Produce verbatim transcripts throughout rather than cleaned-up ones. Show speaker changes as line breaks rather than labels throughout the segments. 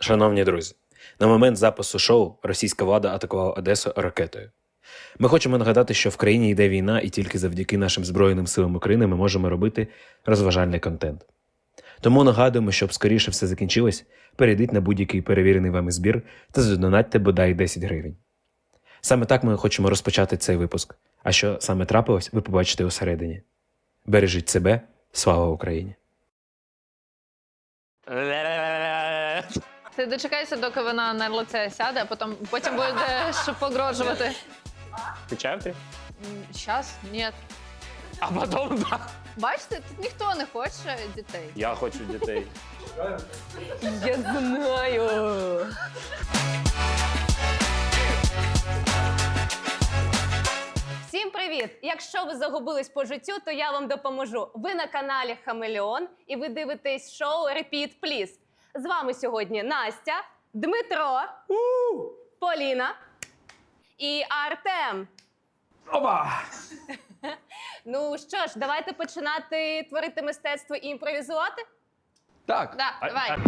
Шановні друзі, на момент запису шоу російська влада атакувала Одесу ракетою. Ми хочемо нагадати, що в країні йде війна, і тільки завдяки нашим Збройним силам України ми можемо робити розважальний контент. Тому нагадуємо, щоб скоріше все закінчилось, перейдіть на будь-який перевірений вами збір та задонатьте бодай десять гривень. Саме так ми хочемо розпочати цей випуск. А що саме трапилось, ви побачите усередині. Бережіть себе, слава Україні!
Ти дочекайся, доки вона на лице сяде, а потім, потім будеш погрожувати.
Включав ти?
Щас? Ні.
А потім да.
Бачите, тут ніхто не хоче дітей.
Я хочу дітей.
Я знаю.
Всім привіт! Якщо ви загубились по життю, то я вам допоможу. Ви на каналі Хамелеон і ви дивитесь шоу Repeat Please. З вами сьогодні Настя, Дмитро, Поліна і Артем.
Опа!
Ну що ж, давайте починати творити мистецтво і імпровізувати.
Так.
Да, давай.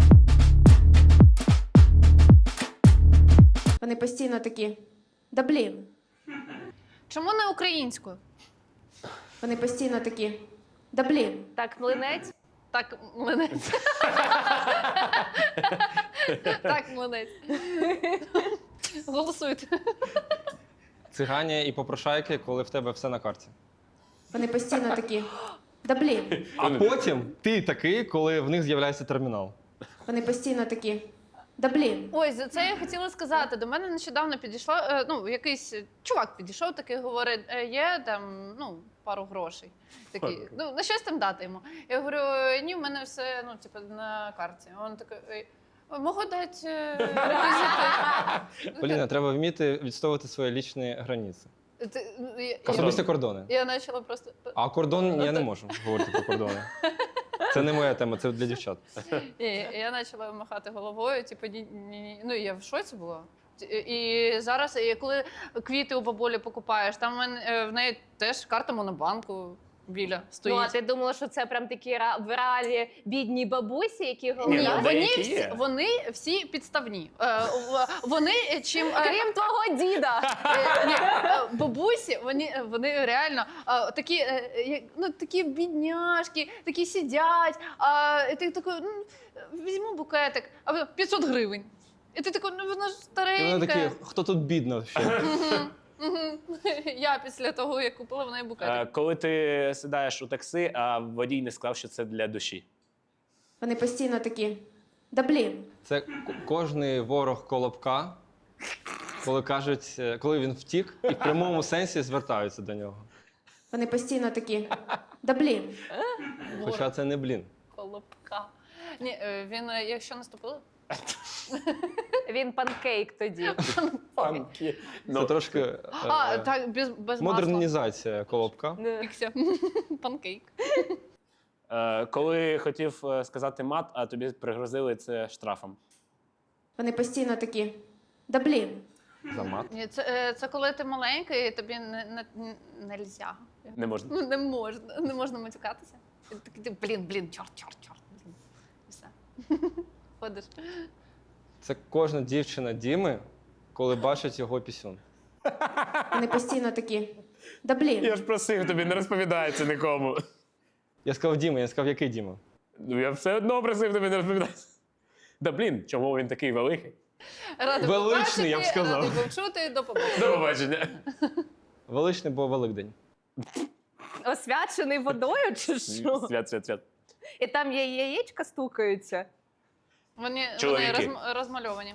Вони постійно такі, да блін.
Чому не українською?
Вони постійно такі, да блін.
Так, млинець.
Так, млинець. Так, млинець. Голосуйте.
Цигані і попрошайки, коли в тебе все на карті.
Вони постійно такі, да блін.
А потім ти такий, коли в них з'являється термінал.
Вони постійно такі, да блін.
Ой, за це я хотіла сказати. До мене нещодавно підійшло, е, ну, якийсь чувак підійшов, такий говорить, е, є там, ну, пару грошей. Такий, ну, на щось там дати йому. Я говорю, ні, в мене все, ну, типу, на карті. Він такий, «Ей, можу дати е, реквізити.
Поліна, треба вміти відстоювати свої лічні границі.
Ти- ну, я-
Особисті кордони.
Я почала просто.
А кордон я не можу говорити про кордони. Це не моя тема, це для дівчат.
Ні, я почала махати головою, типу, ні, ні, ні. Ну, я в шоці була. І зараз, і коли квіти у бабулі покупаєш, там в мене- е, в неї теж карта монобанку біля стоїть.
Ну, а ти думала, що це прям такі ра- в реалі бідні бабусі, які
Ні,
говорять?
ну,
вони
деякі
всі,
є.
вони всі підставні. Е, в- вони чим... е,
Крім твого діда.
Е, ні, е, бабусі, вони, вони реально е, такі, е, як- ну, такі бідняшки, такі сидять, а і ти такий, ну, візьму букетик, а ви- п'ятсот гривень. І ти такий, ну вона ж
І
старенька.
вони такі, хто тут бідно ще?
Мгм, мгм. Я після того, як купила в неї
Е,
букетик.
Коли ти сідаєш у таксі, а водій не сказав, що це для душі.
Вони постійно такі, да блін.
Це к- кожний ворог Колобка, коли кажуть, е, коли він втік, і в прямому сенсі звертаються до нього.
Вони постійно такі, да блін.
Хоча це не блін.
Колобка. Ні, е, він, е, якщо наступили,
Він панкейк тоді.
Панки.
Це
Ну,
трошки е,
а, так, без, без масла.
модернізація Колобка.
Ікся. Панкейк.
е, коли хотів е, сказати мат, а тобі пригрозили це штрафом.
Вони постійно такі, да блін.
За мат.
Ні, це, е, це коли ти маленький, і тобі не, не, не, нельзя.
Не можна.
Ну, не можна, не можна матюкатися. І ти такий, ти, блін, блін, чорт, чорт, чорт. Блін. І все. Ходиш.
Це кожна дівчина Діми, коли бачить його пісюн.
Вони постійно такі, да блін.
Я ж просив тобі, не розповідай це нікому.
Я сказав Діма, я сказав, який Діма?
Ну я все одно просив тобі не розповідати. Да блін, чому він такий великий?
Радий
Величний,
побачити,
я б сказав.
Радий почути, до побачення.
До побачення.
Величний, бо Великдень.
Освячений водою чи що?
Свят, свят, свят.
І там є яєчка стукаються.
Вони, вони
Чоловіки.
розм, розмальовані.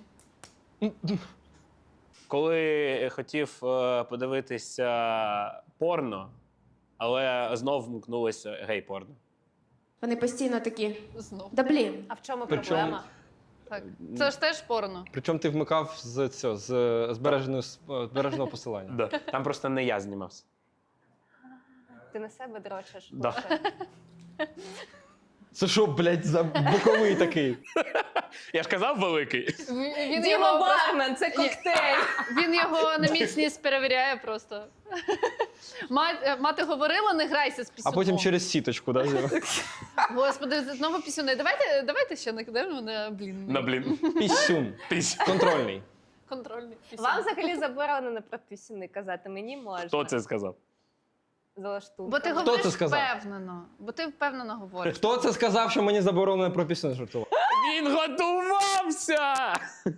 Коли хотів е, подивитися порно, але знов вмкнулося гей-порно.
Вони постійно такі,
Знов.
да блін.
А в чому
Причому-
проблема?
Так. Це ж теж порно.
Причому ти вмикав з цього, з збереженого, збереженого посилання.
Да. Там просто не я знімався.
Ти на себе дрочиш?
Да.
Боже.
Це що, блядь, за боковий такий?
Я ж казав великий.
Він
Діма
його,
бармен, це коктейль.
він його на міцність перевіряє просто. Мать- Мати говорила, не грайся з
А
пісюном.
потім через сіточку, да? Зіма?
Господи, знову пісюни. Давайте, давайте ще накидаємо на блін.
На блін.
Пісюн.
Пісь.
Контрольний.
Контрольний пісюн.
Вам взагалі заборонено про пісюни казати, мені можна.
Хто це сказав?
Залаштунка.
Бо ти
Хто
говориш
це сказав?
впевнено. Бо ти впевнено говориш.
Хто це сказав, що мені заборонено про пісюн жартувати?
Він готувався!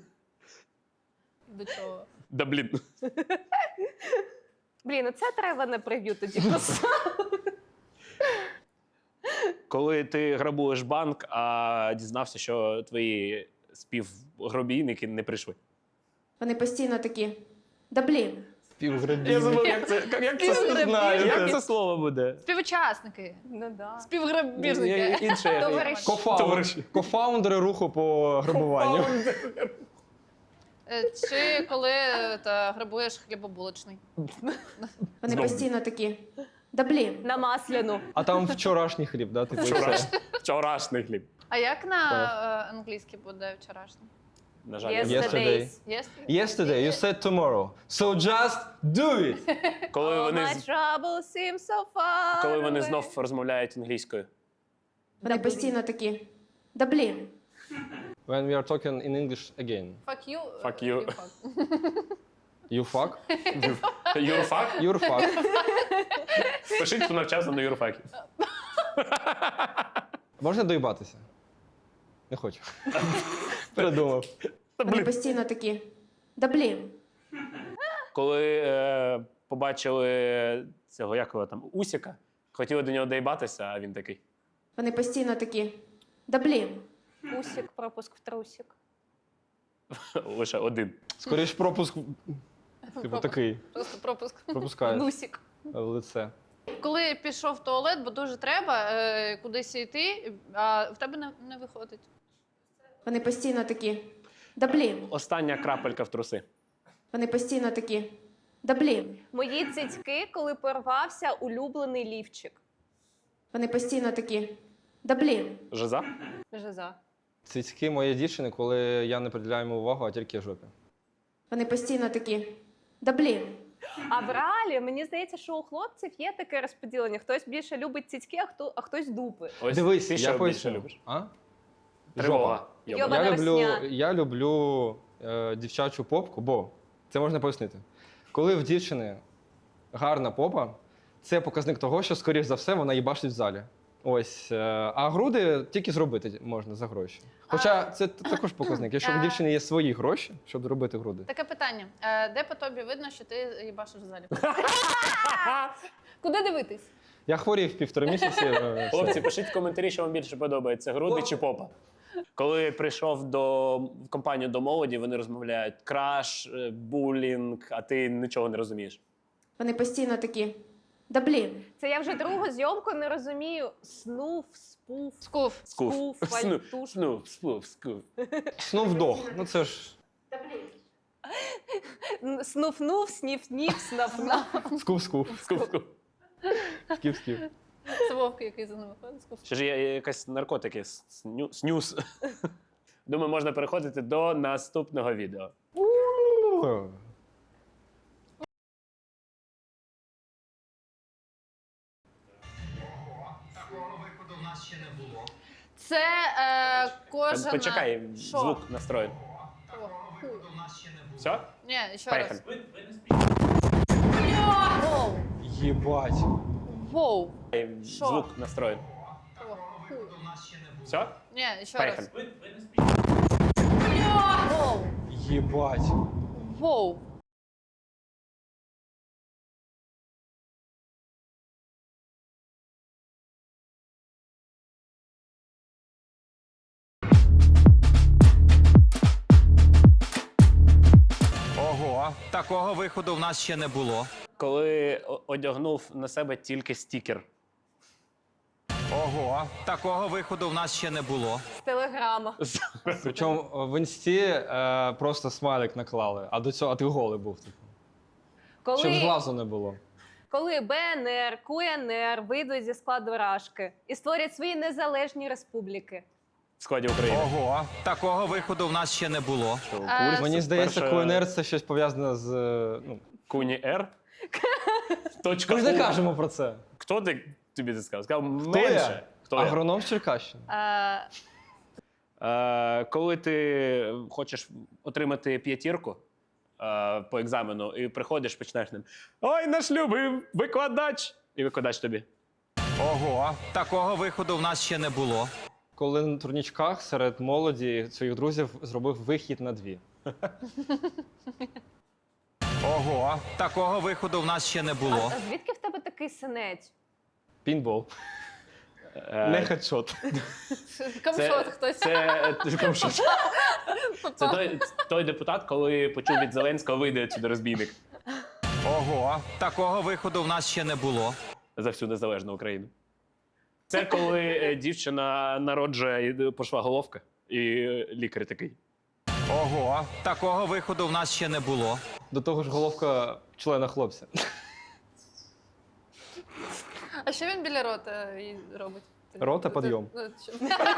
До чого?
Да блін.
Блін, ну це треба на прев'ю тоді поставити.
Коли ти грабуєш банк, а дізнався, що твої співгробійники не прийшли.
Вони постійно такі. Да блін.
Співграбів.
як це, як
це-
знаю.
як це слово буде?
Співучасники.
Ну да.
Співграбіжники.
Інше.
Товариші.
Кофаунд-
Товариші.
Кофаундери руху по грабуванню.
Е, Чи коли е, та, грабуєш хлібобулочний.
Вони
Знову.
постійно такі. Да блін.
На масляну.
А там вчорашній хліб, да? Типу, і все.
Вчораш- Вчорашній хліб.
А як на е, англійській буде вчорашній?
На жаль,
Yes.
я-
Yesterday.
Yes?
Yesterday you said tomorrow. So just do it.
коли
All
вони,
my
з-
trouble seems so far
коли вони
away.
знов розмовляють англійською.
Вони постійно такі. Да блін.
When we are talking in English again.
Fuck you. е,
Fuck you.
fuck.
You fuck?
Юрфак?
You're fuck.
Пишіть, хто навчався на юрфакі.
Можна доїбатися? Не хочу. Передумав.
Вони постійно такі. Да блін.
Коли е, побачили цього, як його там, Усіка, хотіли до нього доїбатися, а він такий.
Вони постійно такі. Да блін.
Усік, пропуск в трусік.
Лише один.
Скоріш пропуск. Типу такий.
Просто пропуск.
Пропускає
Нусік.
в лице.
Коли пішов в туалет, бо дуже треба е, кудись йти, а в тебе не, не виходить.
Вони постійно такі. Да блін.
Остання крапелька в труси.
Вони постійно такі. Да блін.
Мої цицьки, коли порвався улюблений лівчик.
Вони постійно такі. Да блін.
Жиза?
Жиза.
Цицьки моєї дівчини, коли я не приділяю йому увагу, а тільки жопі.
Вони постійно такі. Да блін.
А в реалі, мені здається, що у хлопців є таке розподілення. Хтось більше любить цицьки, а, хто, а хтось дупи.
Ось
Дивись,
ти
я
що більше
поясню.
любиш?
А?
Тривога.
Жопа.
Йоба.
Йоба.
Я
Вона
люблю,
росня.
я люблю е, дівчачу попку, бо це можна пояснити. Коли в дівчини гарна попа, це показник того, що, скоріш за все, вона їбашить в залі. Ось. Е, а груди тільки зробити можна за гроші. Хоча це т- також показник. Якщо в
А.
дівчини є свої гроші, щоб зробити груди.
Таке питання. Е, де по тобі видно, що ти їбашиш в залі? Куди дивитись?
Я хворів півтора місяці. е, все.
Хлопці, пишіть в коментарі, що вам більше подобається, груди чи попа. Коли прийшов до в компанію до молоді, вони розмовляють краш, е, булінг, а ти нічого не розумієш.
Вони постійно такі. Да блін.
Це я вже другу зйомку не розумію. Снув, спуф,
Скуф.
Скуф.
Скуф,
Сну,
вальтуш.
сну, спуф, скуф.
Снув-дог. Ну це ж
снуф-нув, снів-нів, снаф-наф.
скув-скув.
Скуф, скуф.
Сків-сків.
Це Вовк, який за ними ходить. Скуф.
Ще ж є якась наркотики, сню, снюс. Думаю, можна переходити до наступного відео.
Це е, кожен...
Почекай,
Що?
звук настроєн.
О, хуй.
Все?
Ні, ще
Поїхали.
раз. Воу.
Єбать.
Воу. Що?
Звук настроєн.
О, хуй.
Все?
Ні, ще раз.
Поїхали.
Воу.
Єбать.
Воу.
Ого, такого виходу в нас ще не було.
Коли о- одягнув на себе тільки стікер.
Ого, такого виходу в нас ще не було.
З телеграма.
Причому в інсті е, просто смайлик наклали, а до цього а ти голий був. Типу. Щоб
Коли,
зглазу не було.
коли Б Н Р, Q N R вийдуть зі складу Рашки і створять свої незалежні республіки?
В складі України.
Ого, такого виходу в нас ще не було.
Що,
А,
курс?
Мені здається,
Перше-
Q N R це щось пов'язане з. е, Ну,
Куні Р. Точка
ми ж не
У.
кажемо про це.
Хто ти тобі це сказав? Сказав
Хто я?
менше. Хто я?
Агроном з Черкащини.
Е,
Е, коли ти хочеш отримати п'ятірку е, по екзамену і приходиш, починаєш ним. Ой, наш любий викладач! І викладач тобі.
Ого, такого виходу в нас ще не було.
Коли на турнічках серед молоді своїх друзів зробив вихід на дві.
Ого, такого виходу в нас ще не
А,
було.
а звідки в тебе такий синець?
Пінбол.
Е,
Не хедшот.
Камшот хтось.
Це, це, камшот. Це той, той депутат, коли почув від Зеленського, вийде сюди розбійник
Ого, такого виходу в нас ще не було.
за всю незалежну Україну. Це коли е, дівчина народжує і пошла головка, і е, лікар такий.
Ого, такого виходу в нас ще не було.
До того ж, головка члена хлопця.
А що він біля рота і робить?
Рота підйом.
Ну, що?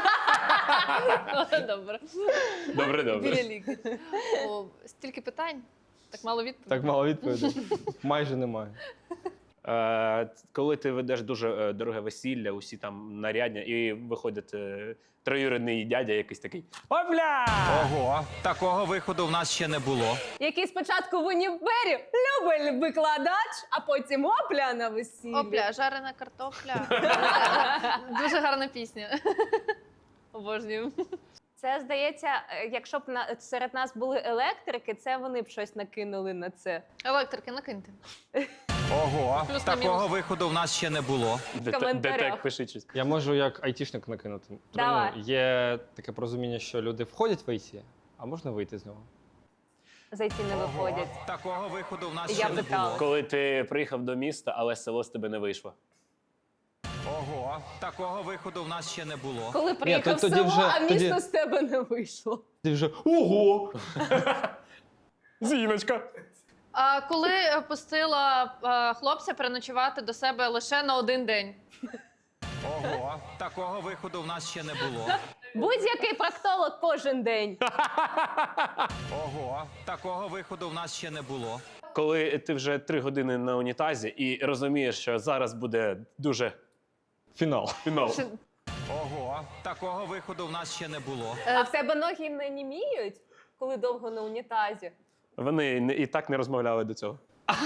Добре.
Добре,
Біля
добре.
лікаря. О, стільки питань, так мало відповідей.
Так мало відповідей. Майже немає.
Е, коли ти ведеш дуже е, дороге весілля, усі там нарядні, і виходить е, троюрідний дядя якийсь такий. Опля!
Ого, такого виходу в нас ще не було.
Який спочатку в універі любить викладач, а потім опля на весіллі.
Опля, жарена картопля. Дуже гарна пісня. Обожнюю.
Це, здається, е, якщо б на, серед нас були електрики, це вони б щось накинули на це.
Електрики, накиньте.
Ого,
Плюс на
такого
мінус.
виходу в нас ще не було.
коментарях.
Детек, пиши щось.
Я можу як айтішник накинути. Тому
Давай.
є таке порозуміння, що люди входять в ай ті, а можна вийти з нього.
Зайти не виходять.
Такого виходу в нас
Я
ще не
питала.
було.
Коли ти приїхав до міста, але село з тебе не вийшло.
Ого, такого виходу в нас ще не було.
Коли приїхав в
тоді
село,
вже-
а місто
тоді-
з тебе не вийшло.
Ти вже ого!
Зіночка!
А коли е, пустила е, хлопця переночувати до себе лише на один день?
Ого, такого виходу в нас ще не було.
Будь-який проктолог кожен день.
Ого, такого виходу в нас ще не було.
Коли ти вже три години на унітазі і розумієш, що зараз буде дуже
Фінал.
фінал.
Ого, такого виходу в нас ще не було.
А в тебе ноги не німіють, коли довго на унітазі?
Вони не- і так не розмовляли до цього.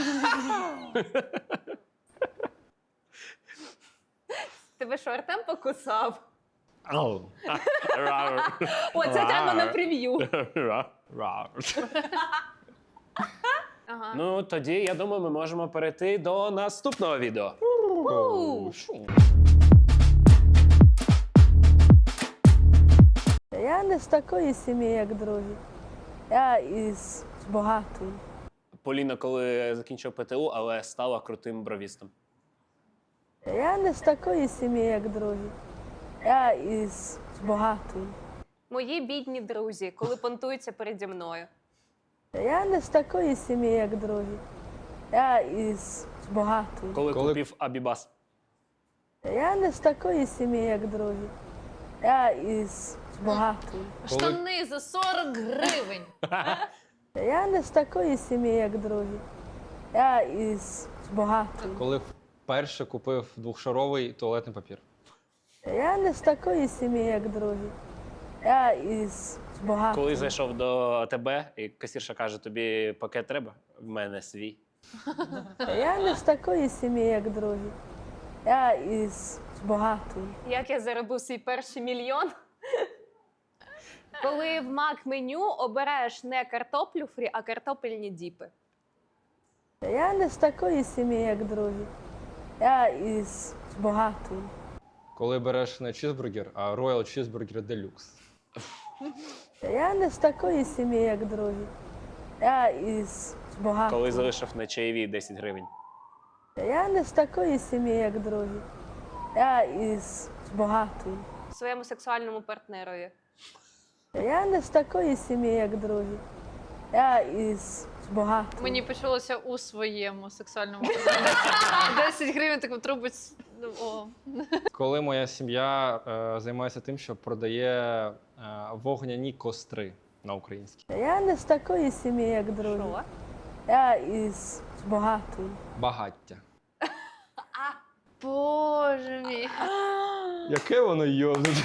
Тебе що, Артем покусав?
Ау.
Рар.
О, це треба на прев'ю.
Рар.
Ага.
Ну, тоді, я думаю, ми можемо перейти до наступного відео.
У.
Я не з такої сім'ї, як другі. Я із багатої.
Поліна, коли закінчив Пе Те У, але стала крутим бровістом.
Я не з такої сім'ї, як другі. Я із багатої.
Мої бідні друзі, коли понтуються переді мною.
Я не з такої сім'ї, як другі. Я із багатої.
Коли,
Коли-
купив Абібас.
Я не з такої сім'ї, як другі. Я із багатої.
Штани за сорок гривень.
Я не з такої сім'ї, як другі. Я із багатої.
Коли вперше купив двохшаровий туалетний папір.
Я не з такої сім'ї, як другі. Я із багатої.
Коли зайшов до тебе, і касірша каже, тобі пакет треба? В мене свій.
Я не з такої сім'ї, як другі. Я із багатої.
Як я заробив свій перший мільйон? Коли в мак-меню обираєш не картоплю фрі, а картопельні діпи.
Я не з такої сім'ї, як другі. Я із багатої.
Коли береш не чізбургер, а Royal Cheeseburger Deluxe.
Я не з такої сім'ї, як другі. Я із багатої.
Коли залишив на чаєві десять гривень.
Я не з такої сім'ї, як другі. Я із багатої.
Своєму сексуальному партнерові.
Я не з такої сім'ї, як другі. Я із багато.
Мені почулося у своєму сексуальному питанні. десять гривень таку трубить. Ну, о.
Коли моя сім'я е, займається тим, що продає е, вогняні костри на українській.
Я не з такої сім'ї, як другі.
Що?
Я із багатої.
Багаття.
Боже мій.
Яке воно йобнуте.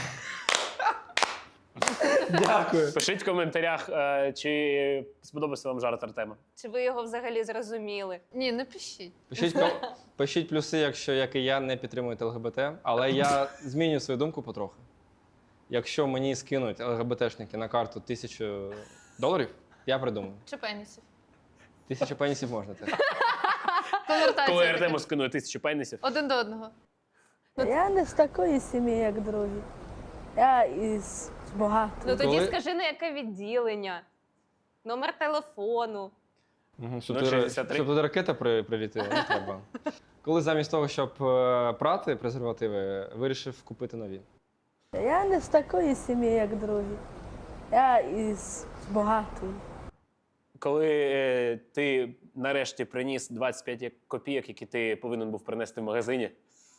Дякую.
Пишіть в коментарях, е, чи сподобався вам жарт Артема.
Чи ви його взагалі зрозуміли?
Ні, не пишіть.
Пишіть, ко- пишіть плюси, якщо, як і я, не підтримуєте ЛГБТ, але я зміню свою думку потрохи. Якщо мені скинуть ЛГБТшники на карту тисячу доларів, я придумаю.
Чи пенісів?
Тисячу пенісів можна теж.
Конвертація.
Коли
така.
Артему скинує тисячу пенісів.
Один до одного.
Я не з такої сім'ї, як другі. Я із багатої.
Ну тоді
Коли-
скажи, на яке відділення, номер телефону.
Угу, щоб,
Ну,
туди,
шістдесят три.
щоб туди ракета при, прилітила, не треба. Коли замість того, щоб е, прати презервативи, вирішив купити нові.
Я не з такої сім'ї, як другі. Я із багатої.
Коли е, ти нарешті приніс двадцять п'ять копійок, які ти повинен був принести в магазині.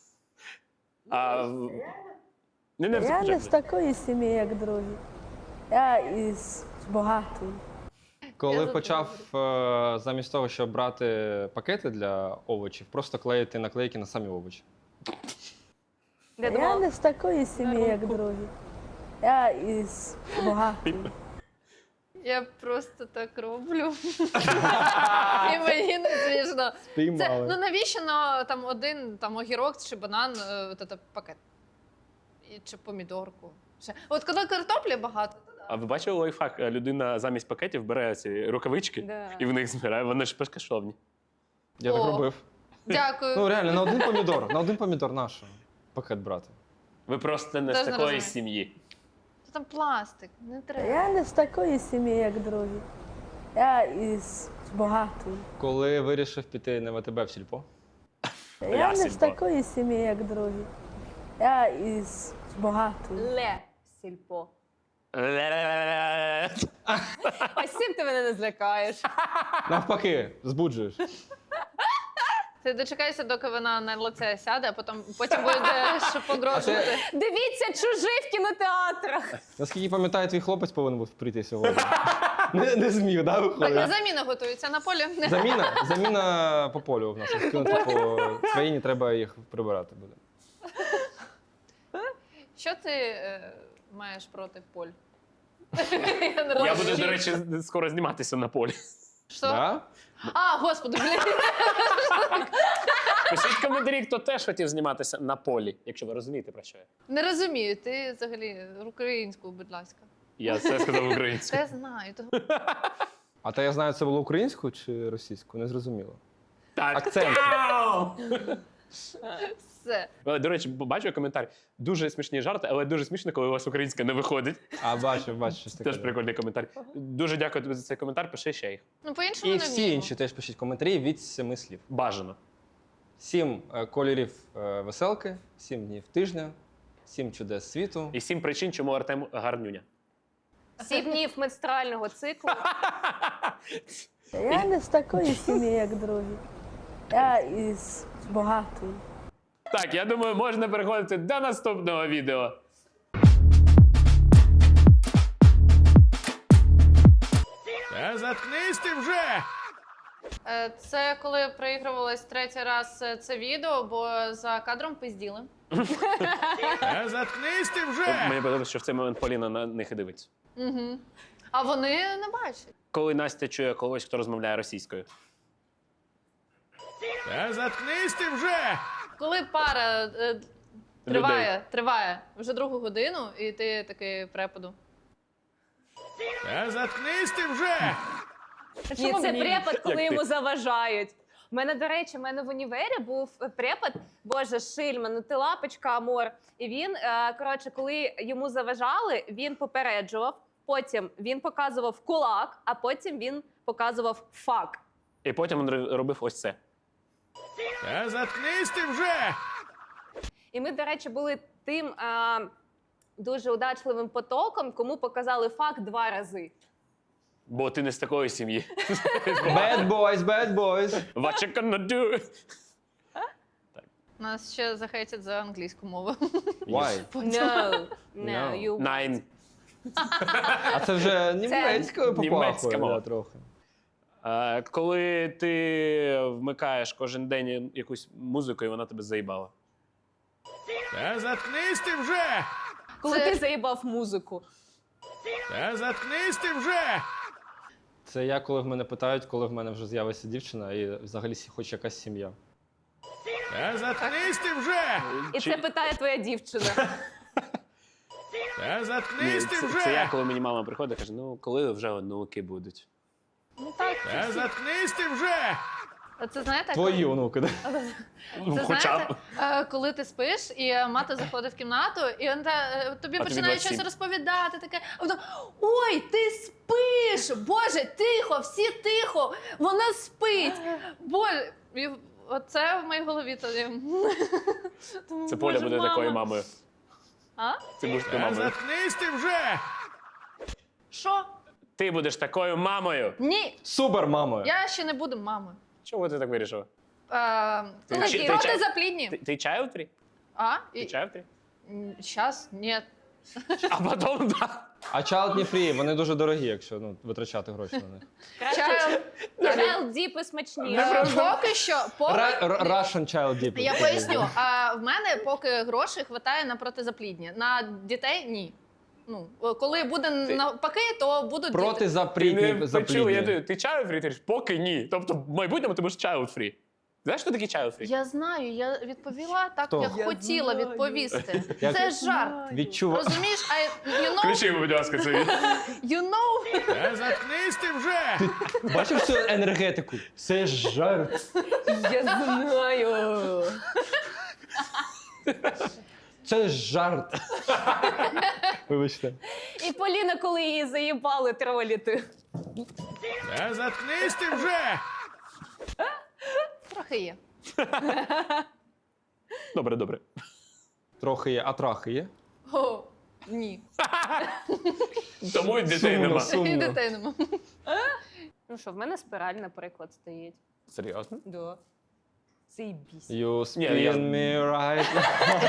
А... в- Не, не,
Я не з
не,
такої сім'ї, як другі. Я із багатої.
Коли
за
почав е, замість того, щоб брати пакети для овочів, просто клеїти наклейки на самі овочі.
Я
Я
думала,
не з такої сім'ї, як другі. Я із багатої.
Я просто так роблю. І мені не смішно. Це,
Спіймали.
ну навіщо на там один там огірок чи банан, е, от це пакет? І, чи помідорку. Ще. От коли картоплі багато, то да.
А ви бачили лайфхак? Людина замість пакетів бере ці рукавички
Да.
і в них збирає. Вони ж безкоштовні.
Я так
О.
робив.
Дякую.
Ну реально, на один помідор, на один помідор наш пакет брати.
Ви просто не з
Теж не
такої
розумію.
сім'ї.
Це там пластик, не треба.
Я не з такої сім'ї, як другі. Я із багатої.
Коли вирішив піти на ВТБ в сільпо.
Я не з
Сільпо.
такої сім'ї, як другі. Я із багатої.
Ле сільпо. Ось цим ти мене не злякаєш.
Навпаки, збуджуєш.
Ти дочекайся, доки вона на лице сяде, а потім, потім буде що погрожувати.
Дивіться, чужий в кінотеатрах.
Наскільки пам'ятаю, твій хлопець повинен був прийти сьогодні. Не, не зміг, да,
Так, на
виходить?
заміна готується на полі.
Заміна, заміна по полю в нас. Скинути по країні, треба їх прибирати буде.
Що ти е, маєш проти поль? Я не
Я
розумію.
буду, до речі, скоро зніматися на полі.
Що?
Да?
А, господи, блін.
Пишіть в коментарі, хто теж хотів зніматися на полі, якщо ви розумієте, про що я.
Не розумію, ти взагалі українську, будь ласка.
Я все сказав українською.
Це знаю. того-
А та я знаю, це було українською чи російською? Не зрозуміло.
Так.
Акцент.
Все.
Але, до речі, бачу коментар. Дуже смішні жарти, але дуже смішно, коли у вас українська не виходить.
А, бачу, бачу, щось таке.
Теж прикольний коментар. Дуже дякую тобі за цей коментар, пиши ще їх.
Ну, по-іншому
І
не
всі
вміємо.
інші теж пишіть коментарі від семи слів.
Бажано.
Сім е, кольорів е, веселки, сім днів тижня, сім чудес світу.
І сім причин, чому Артем гарнюня.
Сім днів менструального циклу.
Я не з такої сім'ї, як другі. Я із багатої.
Так, я думаю, можна переходити до наступного відео.
Та заткнись ти вже!
Е, Це коли проігрувалось третій раз е, це відео, бо за кадром пизділи.
Та заткнись ти вже!
Мені подобається, що в цей момент Поліна на них і дивиться.
Угу. А вони не бачать.
Коли Настя чує когось, хто розмовляє російською.
Та заткнись ти вже!
Коли пара е, триває, триває вже другу годину, і ти такий препаду.
Та заткнись ти вже!
Ні, це препад, коли
Як ти?
йому заважають. У мене, до речі, у мене в універі був препад, боже, Шильман, ну ти лапочка, Амор. І він, е, коротше, коли йому заважали, він попереджував, потім він показував кулак, а потім він показував фак.
І потім він робив ось це.
Та заткнись ти вже!
І ми, до речі, були тим е, дуже удачливим потоком, кому показали фак два рази.
Бо ти не з такої сім'ї.
Bad boys, bad boys.
What you gonna do?
Нас ще захейтять за англійську мову.
Why?
No, no,
No.
you
Nine.
А це вже німецькою
Німецька
попахує
мова.
да, трохи.
Е, коли ти вмикаєш кожен день якусь музику, і вона тебе заїбала.
Та заткнись ти вже!
Коли
Це-
ти заїбав музику.
Та заткнись ти вже!
Це я, коли в мене питають, коли в мене вже з'явиться дівчина і взагалі сі- хоч якась сім'я.
Та заткнись ти вже!
І
Чи-
це питає твоя дівчина.
Та
Ні,
заткнись ти
це,
вже!
це я, коли мені мама приходить, каже, ну коли вже онуки будуть.
Ну так,
Та заткнись ти вже!
це знаєте,
Твої онуки, да?
Ну,
Це
хоча
знаєте,
б.
е, коли ти спиш, і мати заходить в кімнату, і вона е, тобі
А тобі
починає
двадцять сім.
щось розповідати, таке, а вона, ой, ти спиш! Боже, тихо, всі тихо! Вона спить! Боже, і оце в моїй голові тоді. Тому,
Це Поля
Боже,
буде
мама.
такою мамою.
А?
Ти будеш такою
Та
мамою.
заткнись ти вже!
Що?
Ти будеш такою мамою.
Ні,
Супер, мамою.
я ще не буду мамою.
Чого ти так вирішила?
Е,
Ти
коли
чи- ти
проти
чай-
заплідні.
Ти, ти child free?
А?
Ти
І,
child free?
Зараз? Ні.
А потім, да.
А child не free, вони дуже дорогі, якщо ну, витрачати гроші на них.
Чаю.
Child Deep і смачніше.
Е, Поки що, поки...
Ра- р- Russian child deep.
Я поясню. А в мене поки грошей вистачає на протизаплідні. На дітей ні. Ну, коли буде навпаки, то будуть
Проти
діти.
Ти
запрітні
не почув, я
заплідні.
даю, ти child free, ти кажеш, поки ні. Тобто в майбутньому ти будеш child free. Знаєш, що таке child free?
Я знаю, я відповіла так,
Хто?
як
Я
хотіла відповісти.
Як-
Це жарт.
Відчува...
Розумієш? А you know,
Включи, будь ласка, це.
you know.
Та заткнись ти вже!
Бачив цю енергетику? Це ж жарт.
Я знаю.
Це ж жарт. Вибачте.
І Поліна, коли її заїбали троліти.
Та заткнись ти вже!
Трохи є.
Добре, добре.
Трохи є, а трахи є?
О, ні.
Тому й дітей
Сумно,
нема.
І
сумно.
дітей нема.
Ну що, в мене спираль, наприклад, стоїть.
Серйозно?
Да. Заєбісь.
You
Ні, я-
spin me right now.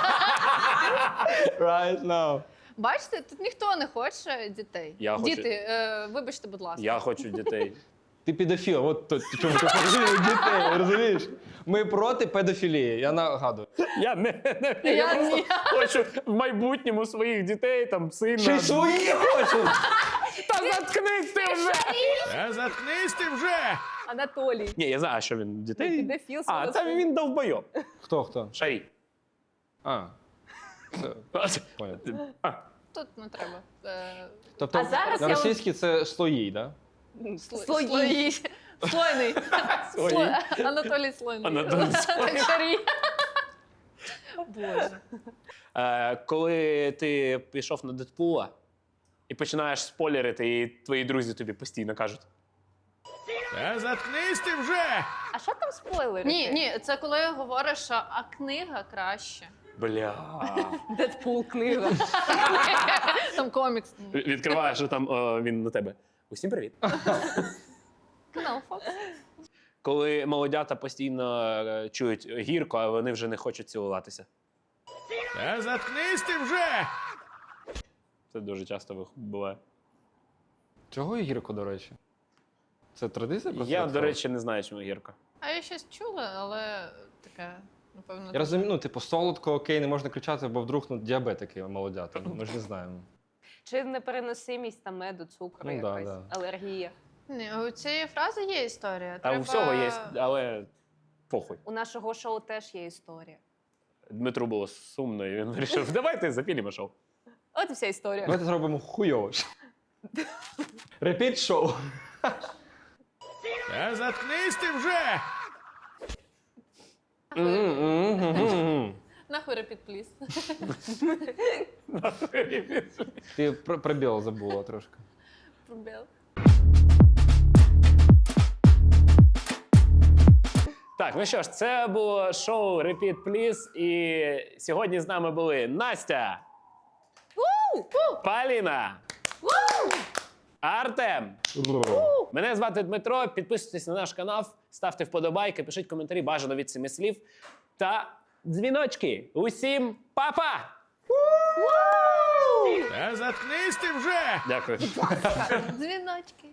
Right now.
Бачите, тут ніхто не хоче дітей.
Я хочу.
Діти, е, вибачте, будь ласка.
Я хочу дітей.
Ти педофіл, от то, чому ти хочеш дітей, розумієш? Ми проти педофілії, я нагадую.
Я не, не я,
Я
просто
ні.
хочу в майбутньому своїх дітей, там, сина.
Ще й свої хочу!
Та заткнись ти вже!
Та заткнись ти вже!
Анатолій.
Ні, я знаю, а що він дітей.
Педофіл
А,
свого
це
сина.
він довбойоб.
Хто, хто?
Шарій.
А, це, понял.
А,
Тут не треба. Е,
Тобто
А зараз
на
я
російській це слої, так?
сло-
Слої.
слої. Слойний.
Слої.
Сло- Анатолій Слойний.
Анатолій
Так, Шарій. Боже.
Е, коли ти пішов на Дедпула і починаєш спойлерити, і твої друзі тобі постійно кажуть.
Та заткнись ти вже!
А що там спойлери?
Ні, ні, це коли говориш, що а книга краще.
Бля.
Дедпул книга.
Там комікс.
Відкриваєш, що там о, він на тебе. Усім привіт.
Канал Фокс.
Коли молодята постійно е, чують гірко, а вони вже не хочуть цілуватися.
Та заткнись ти вже!
Це дуже часто вих- буває.
Чого гірко, до речі? Це традиція? просто
Я,
так
до
стало?
речі, не знаю, чому гірко.
А я щось чула, але таке, напевно.
Я розумію, ну, типу, солодко, окей, не можна кричати, бо вдруг ну, діабетики молодята. Ми ж не знаємо.
Чи непереносимість там меду, цукру,
Ну, да,
якась
да.
алергія.
Ні, у цієї фрази є історія.
А у всього є, але похуй.
У нашого шоу теж є історія.
Дмитру було сумно, і він вирішив, давайте запілімо шоу.
От і вся історія.
Давайте зробимо хуйово. Репіт шоу.
Та заткнись ти вже!
Нахуй репіт, пліз.
Ти про пробіл забула трошки.
Пробіл.
Так, ну що ж, це було шоу Repeat Please, і сьогодні з нами були Настя, Поліна Артем! Мене звати Дмитро. Підписуйтесь на наш канал, ставте вподобайки, пишіть коментарі, бажано від семи слів. Та дзвіночки. Усім па-па!
Та заткнись ти вже!
Дякую.
Дзвіночки.